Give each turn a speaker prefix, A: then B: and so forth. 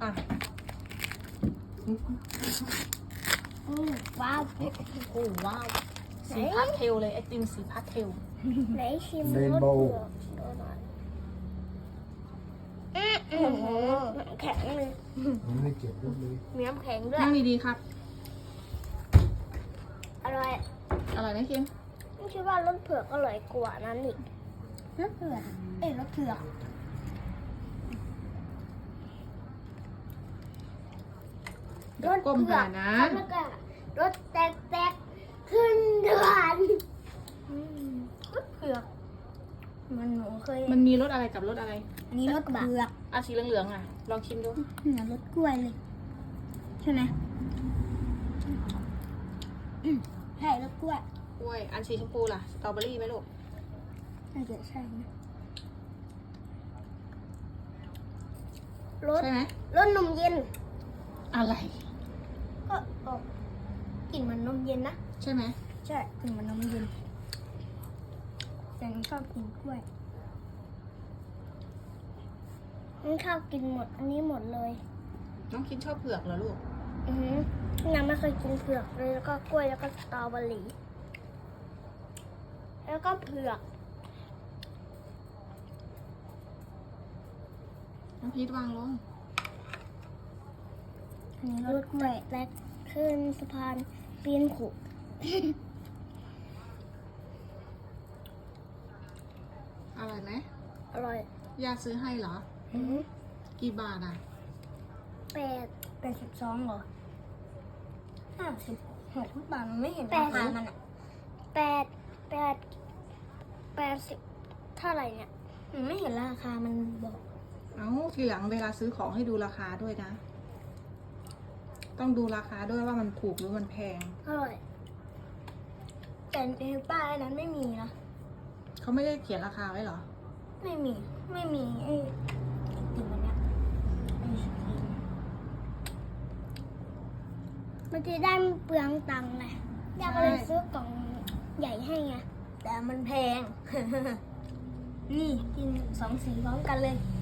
A: อ่ะ
B: ว้าว
A: โอ้โหว้าวสีพาสเทลเลยไอติมสีพาสเทล
B: ไหนชิม
C: เรน
B: รส
C: โบว์
B: เผือกดูหน่อยแข็งเลย
C: มันไม่เก็บลูกเลย
B: มีน้ำแข็งด้วย
A: นั่งดีๆครับ
B: อร่อย
A: อร่อยไหมคิม
B: ไม่คิดว่ารสเผือกอร่อยกว่านั้นอีกรสเผือกรสเผือก
A: เดี๋ยวก้มหานะ
B: แล้วก็รสแตกขึ้นเดือนรสเผือกมันหนูเคย
A: มันมีรสอะไรกับรสอะไร
B: อันนี้รสเผือก
A: อ่ะสีเหลืองๆอ่ะ ลองชิมดู
B: เหมือนรสกล้วยเลยใช่ไหมใช่รสกล้วย
A: กล้วย อันสีชมพูล่ะ สตรอเบอรี่ไหมลูก
B: น่าจะใช่นะรส
A: ใช่ไหม
B: รสนมเย็น
A: อะไร
B: ก็ออกกลิ่นเหมือนนมเย็นนะ
A: ใช่ไหม
B: ใช่กลิ่นเหมือนนมเย็นแต่หนูชอบกินกล้วยหนูชอบกินหมดอันนี้หมดเลย
A: น้องคิมชอบเผือกเหรอลูก
B: ยังไม่เคยกินเผือกเลยแล้วก็กล้วยแล้วก็สตรอเบอรี่แล้วก็เผือก
A: น้องพีทวางลง
B: อันนี้รถกล้วยและขึ้นสะพานปีนขุ
A: อร่อยไหม
B: อร่อย
A: ย่าซื้อให้เหรอ กี่บาทอ่ะ
B: 82เหรอ56บาทมันไม่เห็นราคามันอ่ะ80เท่าไหร่เนี่ยมันไม่เห็นราคามันบอก
A: เอ้าทีหลังเวลาซื้อของให้ดูราคาด้วยนะ ต้องดูราคาด้วยว่ามันถูกหรือมันแพง
B: อร่อยแต่ในป้ายนั้นไม่มีนะ
A: เขาไม่ได้เขียนราคาไว้เหรอ
B: ไม่มีไอ้ติ่มอันเนี้ยไอศกรีมมันจะได้ไม่เปลืองตังค์ไงอยากเลยซื้อกล่องใหญ่ให้ไงแต่มันแพง นี่กิน2 สีพร้อมกันเลย